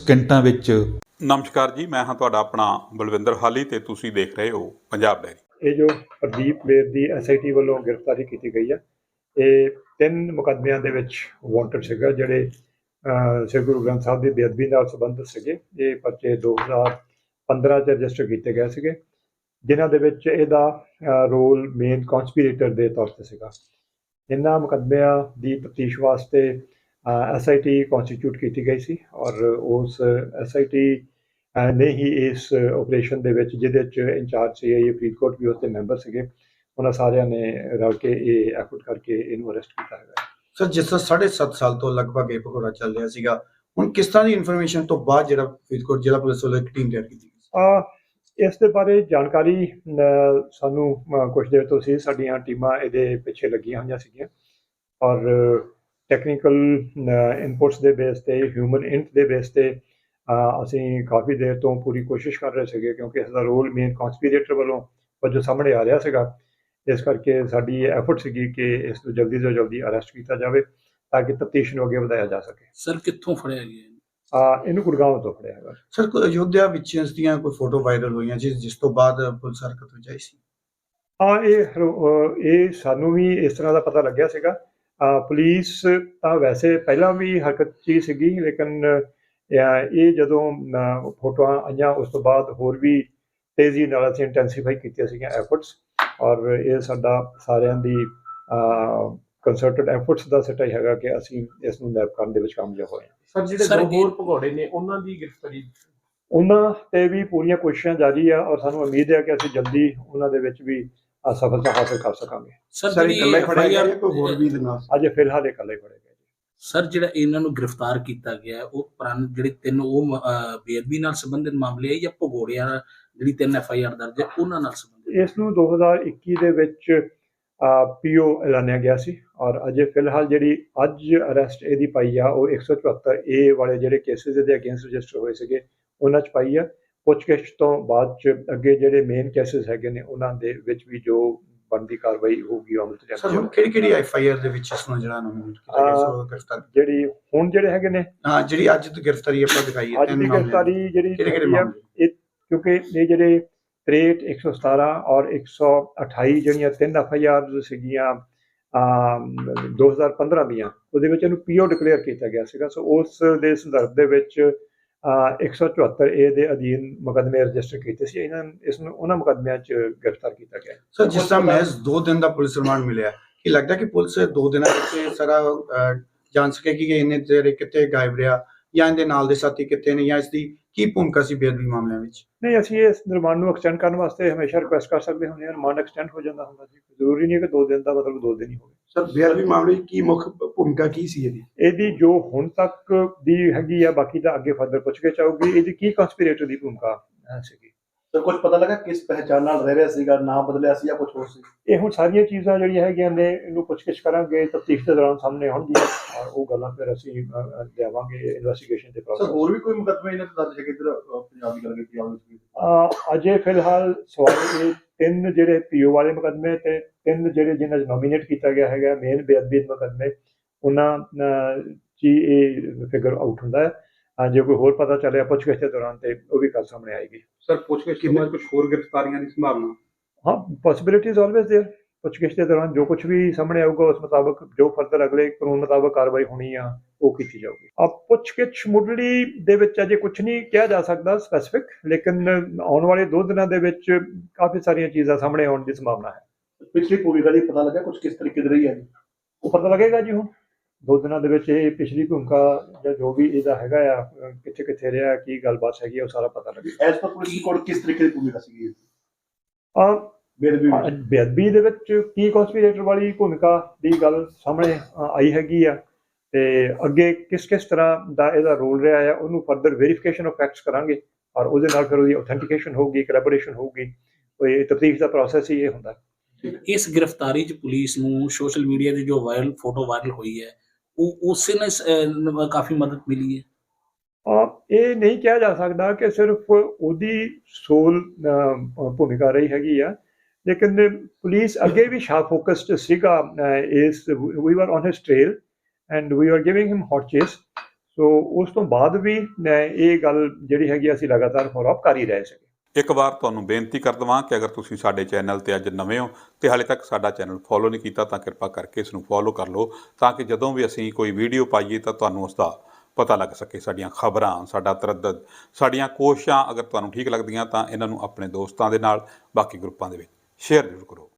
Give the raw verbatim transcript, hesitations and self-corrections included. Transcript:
ਸਕਿੰਟਾਂ ਵਿੱਚ। ਨਮਸਕਾਰ ਜੀ, ਮੈਂ ਹਾਂ ਤੁਹਾਡਾ ਆਪਣਾ ਬਲਵਿੰਦਰ ਹਾਲੀ ਤੇ ਤੁਸੀਂ ਦੇਖ ਰਹੇ ਹੋ ਪੰਜਾਬ ਡਾਇਰੀ। ਇਹ ਜੋ ਪ੍ਰਦੀਪ ਵੇਦ ਦੀ ਐਸ ਆਈ ਟੀ ਵੱਲੋਂ ਗ੍ਰਿਫਤਾਰੀ ਕੀਤੀ ਗਈ ਹੈ, ਇਹ ਤਿੰਨ ਮੁਕੱਦਮਿਆਂ ਦੇ ਵਿੱਚ ਵਾਂਟਡ ਸੀਗਾ, ਜਿਹੜੇ ਸ੍ਰੀ ਗੁਰੂ ਗ੍ਰੰਥ ਸਾਹਿਬ ਦੀ ਬੇਅਦਬੀ ਨਾਲ ਸੰਬੰਧਿਤ ਸੀਗੇ। ਇਹ ਪਰਚੇ ਦੋ ਹਜ਼ਾਰ ਪੰਦਰਾਂ 'ਚ ਰਜਿਸਟਰ ਕੀਤੇ ਗਏ ਸੀਗੇ, ਜਿਨ੍ਹਾਂ ਦੇ ਵਿੱਚ ਇਹਦਾ ਰੋਲ ਮੇਨ ਕੌਂਸਪੀਰੇਟਰ ਦੇ ਤੌਰ 'ਤੇ ਸੀਗਾ। ਇਹਨਾਂ ਮੁਕੱਦਮਿਆਂ ਦੀ ਤਫਤੀਸ਼ ਵਾਸਤੇ ਐਸ ਆਈ ਟੀ ਕੌਂਸਟੀਟਿਊਟ ਕੀਤੀ ਗਈ ਸੀ, ਔਰ ਉਸ ਐਸ ਆਈ ਟੀ ਨੇ ਹੀ ਇਸ ਆਪਰੇਸ਼ਨ ਦੇ ਵਿੱਚ, ਜਿਹਦੇ 'ਚ ਇੰਚਾਰਜ ਸੀ ਇਹ ਫਰੀਦਕੋਟ ਵੀ ਉਸ ਦੇ ਮੈਂਬਰ ਸੀਗੇ, ਉਹਨਾਂ ਸਾਰਿਆਂ ਨੇ ਰਲ ਕੇ ਇਹ ਐਫਰਟ ਕਰਕੇ ਇਹਨੂੰ ਅਰੈਸਟ ਕੀਤਾ ਹੈਗਾ। ਸਰ, ਜਿਸ ਤਰ੍ਹਾਂ ਸਾਢੇ ਸੱਤ ਸਾਲ ਤੋਂ ਲਗਭਗ ਇਹ ਭਗੌੜਾ ਚੱਲ ਰਿਹਾ ਸੀਗਾ, ਹੁਣ ਕਿਸ ਤਰ੍ਹਾਂ ਦੀ ਇਨਫੋਰਮੇਸ਼ਨ ਤੋਂ ਬਾਅਦ ਜਿਹੜਾ ਫਰੀਦਕੋਟ ਜ਼ਿਲ੍ਹਾ ਪੁਲਿਸ ਵੱਲੋਂ ਇੱਕ ਟੀਮ ਤਿਆਰ ਕੀਤੀ ਗਈ? ਇਸ ਦੇ ਬਾਰੇ ਜਾਣਕਾਰੀ ਸਾਨੂੰ ਕੁਝ ਦੇਰ ਤੋਂ ਸੀ। ਸਾਡੀਆਂ ਟੀਮਾਂ ਇਹਦੇ ਪਿੱਛੇ ਲੱਗੀਆਂ ਹੋਈਆਂ ਸੀਗੀਆਂ, ਔਰ ਟੈਕਨੀਕਲ ਇਨਪੁਟਸ ਦੇ ਬੇਸ 'ਤੇ, ਹਿਊਮਨ ਇੰਟ ਦੇ ਬੇਸ 'ਤੇ ਅਸੀਂ ਕਾਫੀ ਦੇਰ ਤੋਂ ਪੂਰੀ ਕੋਸ਼ਿਸ਼ ਕਰ ਰਹੇ ਸੀਗੇ, ਕਿਉਂਕਿ ਇਸ ਦਾ ਰੋਲ ਮੇਨ ਕੌਂਸਪੀਰੇਟਰ ਵੱਲੋਂ ਵਜੋਂ ਸਾਹਮਣੇ ਆ ਰਿਹਾ ਸੀਗਾ। ਇਸ ਕਰਕੇ ਸਾਡੀ ਐਫਰਟ ਸੀਗੀ ਕਿ ਇਸ ਨੂੰ ਜਲਦੀ ਤੋਂ ਜਲਦੀ ਅਰੈਸਟ ਕੀਤਾ ਜਾਵੇ, ਤਾਂ ਕਿ ਤਫਤੀਸ਼ ਨੂੰ ਅੱਗੇ ਵਧਾਇਆ ਜਾ ਸਕੇ। ਸਰ, ਕਿੱਥੋਂ ਫੜਿਆ ਗਿਆ? ਆ ਇਹਨੂੰ ਗੁੜਗਾਉਂ ਤੋਂ ਫੜਿਆ ਹੈਗਾ। ਸਰ, ਕੋਈ ਅਯੋਧਿਆ ਵਿੱਚ ਇਸ ਦੀਆਂ ਕੋਈ ਫੋਟੋ ਵਾਇਰਲ ਹੋਈਆਂ ਜਿਸ ਜਿਸ ਤੋਂ ਬਾਅਦ ਪੁਲਿਸ ਹਰਕਤ ਵਿੱਚ ਆਈ ਸੀ? ਹਾਂ, ਇਹ ਇਹ ਸਾਨੂੰ ਵੀ ਇਸ ਤਰ੍ਹਾਂ ਦਾ ਪਤਾ ਲੱਗਿਆ ਸੀਗਾ। ਪੁਲਿਸ ਤਾਂ ਵੈਸੇ ਪਹਿਲਾਂ ਵੀ ਹਰਕਤ 'ਚ ਹੀ ਸੀਗੀ, ਲੇਕਿਨ ਇਹ ਜਦੋਂ ਫੋਟੋਆਂ ਆਈਆਂ ਉਸ ਤੋਂ ਬਾਅਦ ਹੋਰ ਵੀ ਤੇਜ਼ੀ ਨਾਲ ਅਸੀਂ ਇੰਟੈਂਸੀਫਾਈ ਕੀਤੀਆਂ ਸੀਗੀਆਂ ਐਫਰਟਸ, ਔਰ ਇਹ ਸਾਡਾ ਸਾਰਿਆਂ ਦੀ ਕੰਸਰਟਡ ਐਫਰਟਸ ਦਾ ਸਿੱਟਾ ਹੀ ਹੈਗਾ ਕਿ ਅਸੀਂ ਇਸ ਨੂੰ ਨੈਪ ਕਰਨ ਦੇ ਵਿੱਚ ਕਾਮਯਾਬ ਹੋਏ ਹਾਂ। ਸਰ, ਜਿਹੜੇ ਦੋ ਹੋਰ ਭਗੌੜੇ ਨੇ ਉਹਨਾਂ ਦੀ ਗ੍ਰਿਫਤਾਰੀ, ਉਹਨਾਂ 'ਤੇ ਵੀ ਪੂਰੀਆਂ ਕੋਸ਼ਿਸ਼ਾਂ ਜਾਰੀ ਆ, ਔਰ ਸਾਨੂੰ ਉਮੀਦ ਹੈ ਕਿ ਅਸੀਂ ਜਲਦੀ ਉਹਨਾਂ ਦੇ ਵਿੱਚ ਵੀ ਸਫਲਤਾ ਹਾਸਲ ਕਰ ਸਕਾਂਗੇ। ਸਰ, ਇਕੱਲੇ ਫੜਿਆ ਗਿਆ ਜਾਂ ਕੋਈ ਹੋਰ ਵੀ ਦੇ ਨਾਲ? ਅਜੇ ਫਿਲਹਾਲ ਇਕੱਲੇ ਫੜੇ ਗਏ। ਸਰ, ਜਿਹੜਾ ਇਹਨਾਂ ਨੂੰ ਗ੍ਰਿਫਤਾਰ ਕੀਤਾ ਗਿਆ, ਉਹ ਪੁਰਾਣੇ ਜਿਹੜੇ ਤਿੰਨ ਉਹ ਬੇਅਦਬੀ ਨਾਲ ਸੰਬੰਧਿਤ ਮਾਮਲੇ ਆ ਜਾਂ ਭਗੌੜਿਆਂ ਜਿਹੜੀ ਤਿੰਨ ਐਫ ਆਈ ਆਰ ਦਰਜ ਹੈ ਉਹਨਾਂ ਨਾਲ ਸੰਬੰਧਿਤ? ਇਸ ਨੂੰ ਦੋ ਹਜ਼ਾਰ ਇੱਕੀ ਦੇ ਵਿੱਚ ਪੀ ਓ ਐਲਾਨਿਆ ਗਿਆ ਸੀ, ਔਰ ਅਜੇ ਫਿਲਹਾਲ ਜਿਹੜੀ ਅੱਜ ਅਰੈਸਟ ਇਹਦੀ ਪਾਈ ਆ, ਉਹ ਇੱਕ ਸੌ ਚੁਹੱਤਰ ਏ ਵਾਲੇ ਜਿਹੜੇ ਕੇਸਿਸ ਇਹਦੇ ਅਗੇਂਸਟ ਰਜਿਸਟਰ ਹੋਏ ਸੀਗੇ ਉਹਨਾਂ 'ਚ ਪਾਈ ਆ। ਪੁੱਛਗਿੱਛ ਤੋਂ ਬਾਅਦ 'ਚ ਅੱਗੇ ਜਿਹੜੇ ਮੇਨ ਕੇਸਿਸ ਹੈਗੇ ਨੇ ਉਹਨਾਂ ਦੇ ਵਿੱਚ ਵੀ ਜੋ ਬਣਦੀ ਕਾਰਵਾਈ ਹੋਊਗੀ ਅਮਲ 'ਚ ਸਰ, ਹੁਣ ਕਿਹੜੀ ਕਿਹੜੀ ਐਫ ਆਈ ਆਰ ਦੇ ਵਿੱਚ ਇਸ ਨੂੰ ਜਿਹੜਾ ਨੋਮੀਨੇਟ ਕੀਤਾ ਗਿਆ ਸੋ ਗ੍ਰਿਫਤਾਰ ਜਿਹੜੀ ਹੁਣ ਜਿਹੜੇ ਹੈਗੇ ਨੇ, ਹਾਂ, ਜਿਹੜੀ ਅੱਜ ਦੀ ਗ੍ਰਿਫਤਾਰੀ ਆਪਾਂ ਦਿਖਾਈ ਹੈ, ਅੱਜ ਦੀ ਗ੍ਰਿਫਤਾਰੀ ਜਿਹੜੀ ਕਿਹੜੇ ਮਾਮਲੇ? ਇਹ ਕਿਉਂਕਿ ਇਹ ਜਿਹੜੇ ਤ੍ਰੇਹਠ, ਇੱਕ ਸੌ ਸਤਾਰਾਂ ਔਰ ਇੱਕ ਸੌ ਅਠਾਈ ਜਿਹੜੀਆਂ ਤਿੰਨ ਐਫ ਆਈ ਆਰ ਸੀਗੀਆਂ ਦੋ ਹਜ਼ਾਰ ਪੰਦਰਾਂ ਦੀਆਂ, ਉਹਦੇ ਵਿੱਚ ਇਹਨੂੰ ਪੀ ਓ ਡਿਕਲੇਅਰ ਕੀਤਾ ਗਿਆ ਸੀਗਾ। ਸੋ ਉਸ ਦੇ ਸੰਦਰਭ ਦੇ ਵਿੱਚ ਇੱਕ ਸੌ ਚੁਹੱਤਰ ਏ ਦੇ ਅਧੀਨ ਮੁਕੱਦਮੇ ਰਜਿਸਟਰ ਕੀਤੇ ਸੀ। ਇਹਨਾਂ ਇਸ ਨੂੰ ਉਹਨਾਂ ਮੁਕੱਦਮਿਆਂ 'ਚ ਗ੍ਰਿਫਤਾਰ ਕੀਤਾ ਗਿਆ। ਸਰ, ਜਿਸ ਤਰ੍ਹਾਂ ਮਹਿਜ਼ ਦੋ ਦਿਨ ਦਾ ਪੁਲਿਸ ਰਿਮਾਂਡ ਮਿਲਿਆ, ਕੀ ਲੱਗਦਾ ਕਿ ਪੁਲਿਸ ਦੋ ਦਿਨਾਂ ਵਿੱਚ ਸਾਰਾ ਜਾਣ ਸਕੇਗੀ ਕਿ ਇਹਨੇ ਤੇਰੇ ਕਿੱਥੇ ਗਾਇਬ ਰਿਹਾ, ਜਾਂ ਇਹਦੇ ਨਾਲ ਦੇ ਸਾਥੀ ਕਿੱਥੇ ਨੇ, ਜਾਂ ਇਸ ਦੀ ਕੀ ਭੂਮਿਕਾ ਸੀ ਬੇਅਦਬੀ ਮਾਮਲਿਆਂ ਵਿੱਚ? ਨਹੀਂ, ਅਸੀਂ ਇਸ ਰਿਮਾਂਡ ਨੂੰ ਐਕਸਟੈਂਡ ਕਰਨ ਵਾਸਤੇ ਹਮੇਸ਼ਾ ਰਿਕੁਐਸਟ ਕਰ ਸਕਦੇ ਹੁੰਦੇ ਹਾਂ। ਰਿਮਾਂਡ ਐਕਸਟੈਂਡ ਹੋ ਜਾਂਦਾ ਹੁੰਦਾ ਜੀ, ਜ਼ਰੂਰੀ ਨਹੀਂ ਕਿ ਦੋ ਦਿਨ ਦਾ ਮਤਲਬ ਦੋ ਦਿਨ ਹੀ ਹੋਵੇ। ਸਰ, ਬੇਅਦਬੀ ਮਾਮਲੇ ਕੀ ਮੁੱਖ ਭੂਮਿਕਾ ਕੀ ਸੀ ਇਹਦੀ? ਇਹਦੀ ਜੋ ਹੁਣ ਤੱਕ ਦੀ ਹੈਗੀ ਆ, ਬਾਕੀ ਤਾਂ ਅੱਗੇ ਫਰਦਰ ਪੁੱਛਗਿੱਛ ਆਊਗੀ। ਇਹਦੀ ਕੀ ਕੌਂਸਪੀਰੇਟਰ ਦੀ ਭੂਮਿਕਾ ਸੀਗੀ? ਸਰ, ਕੁਝ ਪਤਾ ਲੱਗਾ ਕਿਸ ਪਹਿਚਾਣ ਨਾਲ ਰਹਿ ਰਿਹਾ ਸੀਗਾ, ਨਾਮ ਬਦਲਿਆ ਸੀ ਜਾਂ ਕੁਝ ਹੋਰ ਸੀ? ਇਹ ਹੁਣ ਸਾਰੀਆਂ ਚੀਜ਼ਾਂ ਜਿਹੜੀਆਂ ਹੈਗੀਆਂ ਨੇ ਇਹਨੂੰ ਪੁੱਛਗਿੱਛ ਕਰਾਂਗੇ, ਤਫਤੀਸ਼ ਦੇ ਦੌਰਾਨ ਸਾਹਮਣੇ ਆਉਣਗੀਆਂ, ਔਰ ਉਹ ਗੱਲਾਂ ਫਿਰ ਅਸੀਂ ਲਿਆਵਾਂਗੇ ਇਨਵੈਸਟੀਗੇਸ਼ਨ ਦੇ ਪ੍ਰੋਸੈਸ। ਸਰ, ਹੋਰ ਵੀ ਕੋਈ ਮੁਕੱਦਮੇ ਇਹਨਾਂ ਤੇ ਦਰਜ ਹੈ ਕਿ ਇੱਧਰ ਪੰਜਾਬ ਦੀ ਗੱਲ ਕੀਤੀ ਜਾਵੇ? ਅਜੇ ਫਿਲਹਾਲ ਸਵਾਲ ਇਹ ਤਿੰਨ ਜਿਹੜੇ ਪੀ ਓ ਵਾਲੇ ਮੁਕੱਦਮੇ ਤੇ ਤਿੰਨ ਜਿਹੜੇ ਜਿਹਨਾਂ 'ਚ ਨੋਮੀਨੇਟ ਕੀਤਾ ਗਿਆ ਹੈਗਾ ਮੇਨ ਬੇਅਦਬੀ ਮੁਕੱਦਮੇ, ਉਹਨਾਂ 'ਚ ਇਹ ਫਿਗਰ ਆਊਟ ਹੁੰਦਾ ਹੈ। ਜੇ ਕੋਈ ਹੋਰ ਪਤਾ ਚੱਲਿਆ ਪੁੱਛਗਿੱਛ ਦੇ ਦੌਰਾਨ ਤੇ ਉਹ ਵੀ ਕੱਲ ਸਾਹਮਣੇ ਆਏਗੀ। ਸਰ, ਪੁੱਛਗਿੱਛ ਤੋਂ ਬਾਅਦ ਕੁਝ ਹੋਰ ਗ੍ਰਿਫਤਾਰੀਆਂ ਦੀ ਸੰਭਾਵਨਾ? ਹਾਂ, ਪੋਸੀਬਿਲਿਟੀਜ਼ ਆਲਵੇਜ਼ ਦੇਅਰ। ਪੁੱਛਗਿੱਛ ਦੇ ਦੌਰਾਨ ਜੋ ਕੁਝ ਵੀ ਸਾਹਮਣੇ ਆਊਗਾ ਉਸ ਮੁਤਾਬਕ ਜੋ ਫਰਦਰ ਅਗਲੇ ਕਾਨੂੰਨ ਮੁਤਾਬਕ ਕਾਰਵਾਈ ਹੋਣੀ ਆ ਉਹ ਕੀਤੀ ਜਾਊਗੀ। ਆ ਪੁੱਛਗਿੱਛ ਮੁੱਢਲੀ ਦੇ ਵਿੱਚ ਅਜੇ ਕੁਝ ਨਹੀਂ ਕਿਹਾ ਜਾ ਸਕਦਾ ਸਪੈਸੀਫਿਕ, ਲੇਕਿਨ ਆਉਣ ਵਾਲੇ ਦੋ ਦਿਨਾਂ ਦੇ ਵਿੱਚ ਕਾਫੀ ਸਾਰੀਆਂ ਚੀਜ਼ਾਂ ਸਾਹਮਣੇ ਆਉਣ ਦੀ ਸੰਭਾਵਨਾ ਹੈ। ਪਿਛਲੀ ਭੂਮਿਕਾ ਦੀ ਪਤਾ ਲੱਗਾ ਕੁਝ ਕਿਸ ਤਰੀਕੇ ਦੀ ਰਹੀ ਹੈ? ਉਹ ਪਤਾ ਲੱਗੇਗਾ ਜੀ ਹੁਣ ਦੋ ਦਿਨਾਂ ਦੇ ਵਿੱਚ। ਇਹ ਪਿਛਲੀ ਭੂਮਿਕਾ ਜਾਂ ਜੋ ਵੀ ਇਹਦਾ ਹੈਗਾ ਆ, ਕਿੱਥੇ ਕਿੱਥੇ ਰਿਹਾ, ਕੀ ਗੱਲਬਾਤ ਹੈਗੀ, ਉਹ ਸਾਰਾ ਪਤਾ ਲੱਗੇਗਾ। ਐਸ ਪਰ ਪੁਲਿਸ ਕੋਲ ਕਿਸ ਤਰੀਕੇ ਦੀ ਭੂਮਿਕਾ ਸੀਗੀ? ਆ ਬੇਅਦਬੀ ਬੇਅਦਬੀ ਦੇ ਵਿੱਚ ਕੀ ਕੌਂਸਪੀਰੇਟਰ ਵਾਲੀ ਭੂਮਿਕਾ ਦੀ ਗੱਲ ਸਾਹਮਣੇ ਆਈ ਹੈਗੀ ਆ, ਤੇ ਅੱਗੇ ਕਿਸ ਕਿਸ ਤਰ੍ਹਾਂ ਦਾ ਇਹਦਾ ਰੋਲ ਰਿਹਾ ਆ ਉਹਨੂੰ ਫਰਦਰ ਵੈਰੀਫਿਕੇਸ਼ਨ ਆਫ ਫੈਕਟਸ ਕਰਾਂਗੇ, ਔਰ ਉਹਦੇ ਨਾਲ ਫਿਰ ਉਹਦੀ ਆਥੈਂਟੀਕੇਸ਼ਨ ਹੋਊਗੀ, ਕੋਲੈਬੋਰੇਸ਼ਨ ਹੋਊਗੀ। ਇਹ ਤਫਤੀਸ਼ ਦਾ ਪ੍ਰੋਸੈਸ ਹੀ ਇਹ ਹੁੰਦਾ। ਇਸ ਗ੍ਰਿਫਤਾਰੀ 'ਚ ਪੁਲਿਸ ਨੂੰ ਸੋਸ਼ਲ ਮੀਡੀਆ ਦੀ ਜੋ ਵਾਇਰਲ ਫੋਟੋ ਵਾਇਰਲ ਹੋਈ ਹੈ, ਉਹ ਉਸੇ ਨਾਲ ਕਾਫੀ ਮਦਦ ਮਿਲੀ ਹੈ। ਇਹ ਨਹੀਂ ਕਿਹਾ ਜਾ ਸਕਦਾ ਕਿ ਸਿਰਫ ਉਹਦੀ ਸੋਲ ਭੂਮਿਕਾ ਰਹੀ ਹੈਗੀ ਆ, ਲੇਕਿਨ ਪੁਲਿਸ ਅੱਗੇ ਵੀ ਸ਼ਾਰਪ ਫੋਕਸਡ ਸੀਗਾ ਇਸ। We were on his trail and we are giving him hot chase. So ਉਸ ਤੋਂ ਬਾਅਦ ਵੀ ਅਹ, ਇਹ ਗੱਲ ਜਿਹੜੀ ਹੈਗੀ ਅਸੀਂ ਲਗਾਤਾਰ ਫੋਲੋ ਅਪ ਕਰ ਹੀ ਰਹੇ ਸੀਗੇ। ਇੱਕ ਵਾਰ ਤੁਹਾਨੂੰ ਬੇਨਤੀ ਕਰ ਦੇਵਾਂ ਕਿ ਅਗਰ ਤੁਸੀਂ ਸਾਡੇ ਚੈਨਲ ਤੇ ਅੱਜ ਨਵੇਂ ਹੋ ਤੇ ਹਾਲੇ ਤੱਕ ਸਾਡਾ ਚੈਨਲ ਫੋਲੋ ਨਹੀਂ ਕੀਤਾ ਤਾਂ ਕਿਰਪਾ ਕਰਕੇ ਇਸ ਨੂੰ ਫੋਲੋ ਕਰ ਲਓ, ਤਾਂ ਕਿ ਜਦੋਂ ਵੀ ਅਸੀਂ ਕੋਈ ਵੀਡੀਓ ਪਾਈਏ ਤਾਂ ਤੁਹਾਨੂੰ ਉਸ ਦਾ ਪਤਾ ਲੱਗ ਸਕੇ। ਸਾਡੀਆਂ ਖਬਰਾਂ, ਸਾਡਾ ਤਰੱਦਦ, ਸਾਡੀਆਂ ਕੋਸ਼ਿਸ਼ਾਂ ਅਗਰ ਤੁਹਾਨੂੰ ਠੀਕ ਲੱਗਦੀਆਂ ਤਾਂ ਇਹਨਾਂ ਨੂੰ ਆਪਣੇ ਦੋਸਤਾਂ ਦੇ ਨਾਲ, ਬਾਕੀ ਗਰੁੱਪਾਂ ਦੇ ਵਿੱਚ ਸ਼ੇਅਰ ਜ਼ਰੂਰ ਕਰੋ।